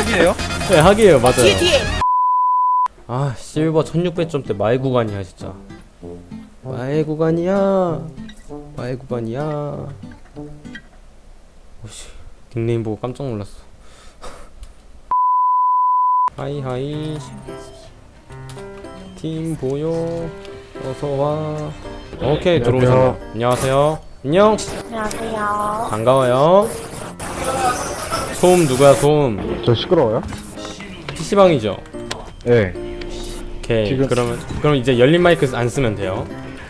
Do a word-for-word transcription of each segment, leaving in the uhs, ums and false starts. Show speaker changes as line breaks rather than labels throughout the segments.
학이에요?
네, 학이에요. 맞아요.
뒤에 뒤에.
아, 실버 천육백 점대 마의 구간이야 진짜. 마의 구간이야. 마의 구간이야. 오씨, 닉네임 보고 깜짝 놀랐어. 하이 하이. 팀 보여. 어서 와. 오케이, 들어오세요. 안녕하세요. 안녕.
안녕하세요.
반가워요. 소음 누구야, 소음?
저 시끄러워요?
피시방이죠?
네.
오케이.
지금-
그러면 그럼 이제 열린 마이크 안 쓰면 돼요.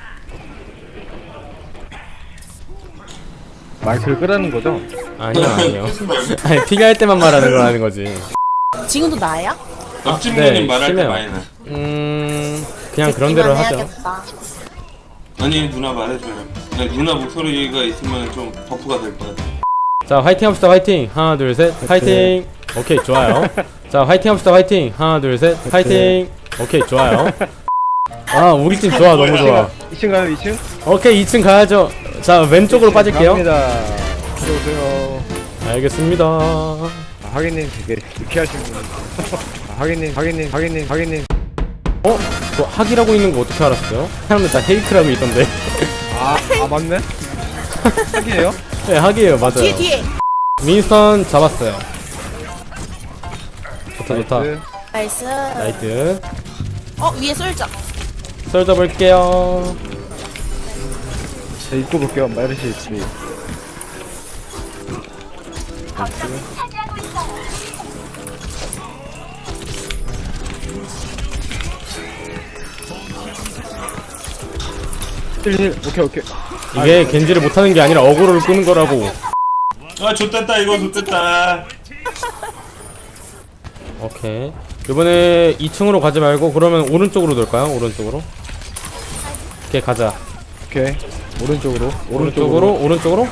마이크를 끄라는 거죠?
아니요, 아니요. 아니, 필요할 때만 말하는 거라는 거지.
지금도 나야?
옆집
네,
누님 말할 때
심해요.
많이 나.
음, 그냥 그런 대로 하죠.
해야겠다.
아니 누나 말해줘요. 네, 누나 목소리가 있으면 좀 버프가 될 것 같아.
자, 화이팅 합시다. 화이팅. 하나, 둘, 셋. 화이팅. 오케이, 좋아요. 자, 화이팅 합시다. 화이팅. 하나, 둘, 셋. 화이팅. 오케이, 좋아요. 아, 우리 팀 좋아. 너무 좋아.
이 층 가요, 이 층?
오케이, 이 층 가야죠. 자, 왼쪽으로 빠질게요.
갑니다. 들어오세요.
알겠습니다.
아, 하객님 되게 유쾌하신 분. 아, 하객님, 하객님, 하객님, 하객님.
어? 저 학이라고 있는 거 어떻게 알았어요? 사람들 다 헤이크라고 있던데.
아, 아 맞네? 학이에요?
네, 학이에요. 맞아요.
뒤에 뒤에.
윈스턴 잡았어요. 좋다, 좋다.
나이스.
나이스.
나이트.
어 위에 쏠자.
썰 잡을게요.
자, 입고 볼게요. 마이르시 입고. 힐, 오케이, 오케이.
이게 겐지를 못하는 게 아니라 어그로를 끄는 거라고.
아 좋댔다 이거 좋댔다.
오케이. 이번에 이 층으로 가지 말고 그러면 오른쪽으로 돌까요? 오른쪽으로. 오케이, 가자.
오케이. 오른쪽으로.
오른쪽으로, 오른쪽으로.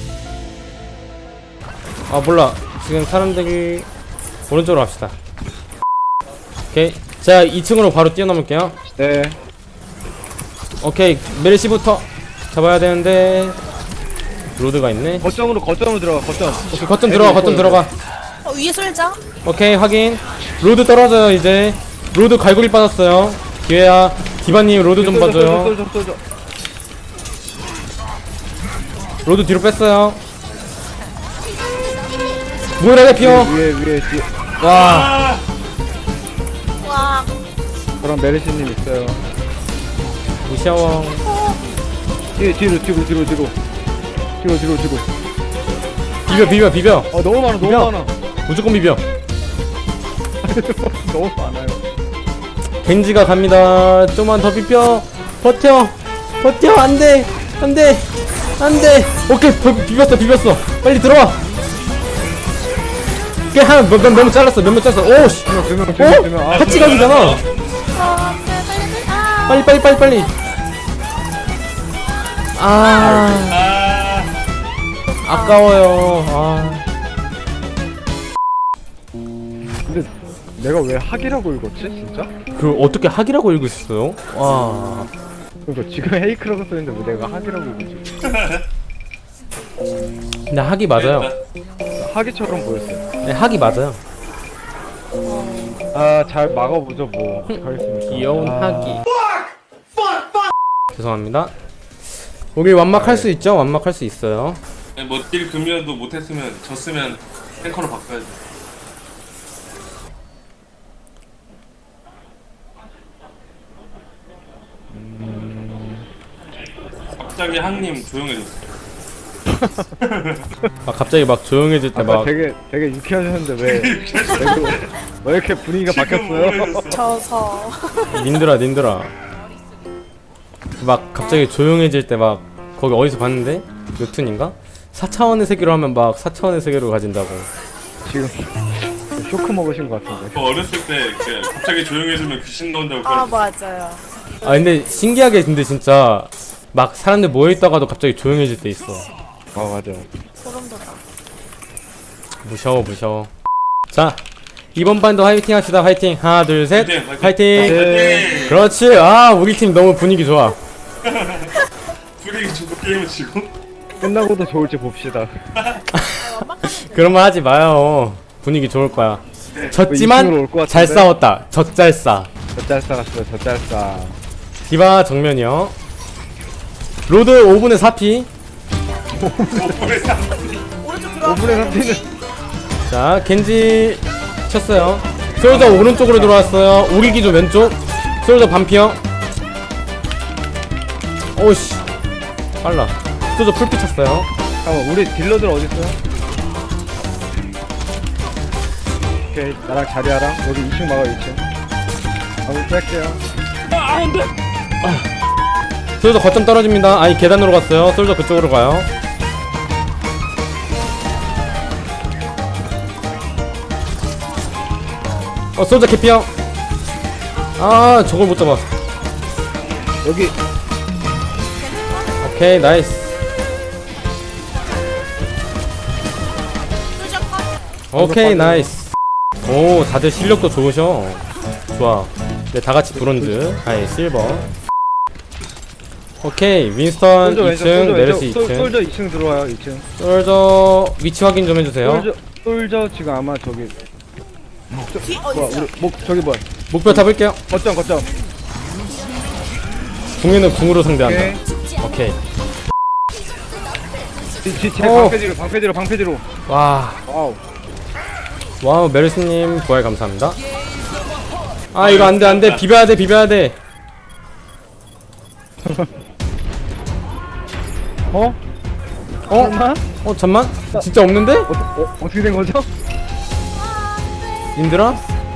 아, 몰라. 지금 사람들이 오른쪽으로 갑시다. 오케이. 자, 이 층으로 바로 뛰어넘을게요.
네.
오케이. 메르시부터 잡아야 되는데 로드가 있네.
거점으로, 거점으로 들어가, 거점.
오케이, 거점 들어가, 거점 들어가.
어 위에 쏠자.
오케이, 확인. 로드 떨어져요. 이제 로드 갈고리 빠졌어요. 기회야. 디바님 로드 좀 봐줘요.
쏠, 쏠, 쏠, 쏠.
로드 뒤로 뺐어요. 뭐라 피어.
위에, 위에, 뒤에.
와.
와.
저랑 메르시님 있어요.
무시하워.
뒤에, 뒤로, 뒤로, 뒤로, 뒤로. 뒤로, 뒤로, 뒤로.
비벼, 비벼, 비벼.
어, 너무 많아, 너무
비벼.
많아.
무조건 비벼.
너무 많아요.
겐지가 갑니다. 좀만 더 비벼. 버텨. 버텨. 안 돼. 안 돼. 안 돼. 오케이. 비, 비볐어. 비볐어. 빨리 들어와. 오케이. 한, 몇, 몇, 몇명 잘랐어. 몇 명 잘랐어. 오씨.
두 명, 두 명, 두 명, 두 명.
어?
아,
같이 가기잖아.
어 빨리 빨리. 아.
빨리, 빨리, 빨리, 빨리. 아.
아
아까워요. 아.
근데 내가 왜 학이라고 읽었지, 진짜?
그 어떻게 학이라고 읽고 있었어요? 와.
그러니까 지금 헤이크라고 써있는데 왜 내가 학이라고 읽었지?
근데 학이 맞아요.
학이처럼 보였어요.
네, 학이 맞아요.
아, 잘 막아보죠, 뭐. 어떡하겠습니까.
귀여운
아,
학이. 죄송합니다. 우리 완막할 수 있죠? 완막할 수 있어요.
뭐딜 금이어도 못했으면 졌으면 탱커로 바꿔야지. 갑자기 항님 조용해졌어.
아, 갑자기 막 조용해질 때
아까
막
되게, 되게 유쾌하셨는데 왜, 왜, 왜 이렇게 분위기가 바뀌었어요?
우울해졌어.
져서.
님들아 님들아 막 갑자기 조용해질 때 막 거기 어디서 봤는데? 웹툰인가? 사 차원의 세계로 하면 막 사 차원의 세계로 가진다고.
지금 쇼크 먹으신 것 같은데.
저 어렸을 때 그 갑자기 조용해지면 귀신 나온다고
아
그랬어.
맞아요.
아 근데 신기하게 근데 진짜 막 사람들 모여있다가도 갑자기 조용해질 때 있어.
아, 맞아요.
소름 돋아.
무서워 무서워. 자, 이번 반도 화이팅 합시다. 화이팅. 하나 둘 셋.
화이팅, 화이팅.
화이팅.
네.
그렇지. 아, 우리 팀 너무 분위기 좋아.
둘이 주고 게임을 치고.
끝나고도 좋을지 봅시다.
그런 말 하지 마요. 분위기 좋을 거야. 졌지만
이층으로 올것
잘
같은데?
싸웠다. 젖잘싸.
젖잘싸 갔어 젖잘싸.
디바 정면이요. 로드 오 분의 사 피.
오른쪽 들어왔어.
오 분의 삼 피는
자, 겐지 쳤어요. 솔저 오른쪽으로 들어왔어요. 우리기 좀 왼쪽. 솔저 반피형. 오씨, 빨라. 솔저 풀피 쳤어요.
잠깐만 우리 딜러들 어딨어요? 오케이 나랑 자리하랑 여기 이 층 막아 이 층. 한번 뺄게요.
솔저 거점 떨어집니다. 아니 계단으로 갔어요. 솔저 그쪽으로 가요. 어, 솔저 개피형. 아, 저걸 못 잡아.
여기
오케이, 나이스.
뚜적 컷.
오케이, 나이스. 오, 다들 실력도 좋으셔. 좋아. 네, 다 같이 브론즈. 아니, 실버. 오케이, 윈스턴
솔저
이
왼쪽,
층,
솔저
메르시
왼쪽. 솔-
이 층.
솔저 이 층 들어와요 이 층.
솔저 위치 확인 좀 해주세요.
솔저 솔저 지금 아마 저기
뒤
뭐야
어딨어?
우리 목 저기 뭐야
목표 잡을게요.
거점 거점.
궁에는 궁으로 상대한다.
오케이.
오케이.
뒤제
오.
방패 뒤로 방패 뒤로 방패 뒤로.
와,
와우.
와우, 메르스님 부활 감사합니다. 아, 이거 안돼 안돼. 비벼야 돼 비벼야 돼.
어?
어?
설마?
어 잠만. 진짜 없는데?
어, 어, 어떻게 된 거죠?
님들아?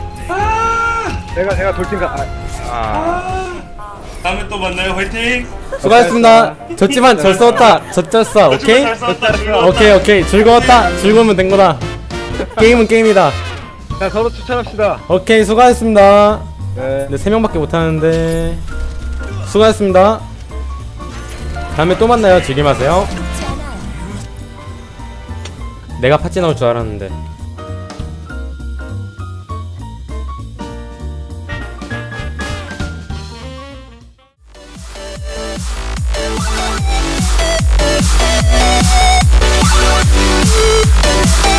내가 내가 돌진가. 아, 아.
다음에 또 만나요. 화이팅.
수고하셨습니다. 졌지만 잘 싸웠다. 졌졌어. 오케이?
잘 싸웠다. 즐거웠다.
오케이 오케이. 즐거웠다. 즐거우면 된 거다. 게임은 게임이다.
자 서로 추천합시다.
오케이, 수고하셨습니다.
네.
근데 세 명밖에 못 하는데 수고하셨습니다. 다음에 또 만나요. 즐김하세요. 내가 팥찌 나올 줄 알았는데.
We'll be right back.